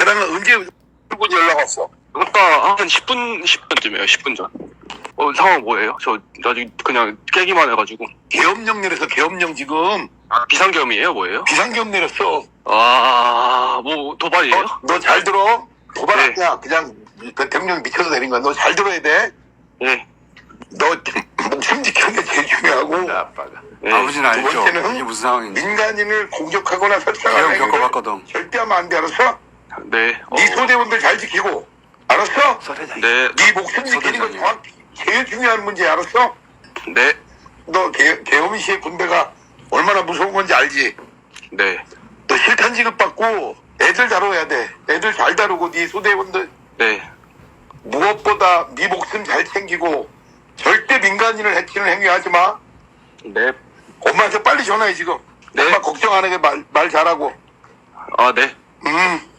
걔랑은 언제 분 연락 왔어? 아까 한 10분쯤이에요. 10분 전. 상황 뭐예요? 저 아직 그냥 깨기만 해가지고. 계엄령 내려서 계엄령 지금 비상계엄이에요? 뭐예요? 비상계엄 내렸어. 뭐 도발이에요? 너 잘 들어? 도발 네. 아니야. 그냥 대통령이 미쳐서 내린 거야. 너 잘 들어야 돼. 네. 너 목숨 지키는 게 제일 중요하고. 아빠가. 네. 아버지는 두 알죠. 번째는 이게 무슨 상황인지. 민간인을 공격하거나 설상하는 계엄 행위를 겪어봤거든. 절대 하면 안 돼. 알았어? 네. 네 소대원들 잘 지키고. 알았어? 네. 네 목숨 지키는 거 정확히 제일 중요한 문제. 알았어? 네. 너 계엄 시의 군대가 얼마나 무서운 건지 알지? 네. 너 실탄 지급받고 애들 다뤄야 돼. 애들 잘 다루고 네 소대원들 네. 무엇보다 네 목숨 잘 챙기고 절대 민간인을 해치는 행위하지 마. 네. 엄마한테 빨리 전화해 지금. 네. 엄마 걱정 안 하게 말 잘하고. 네.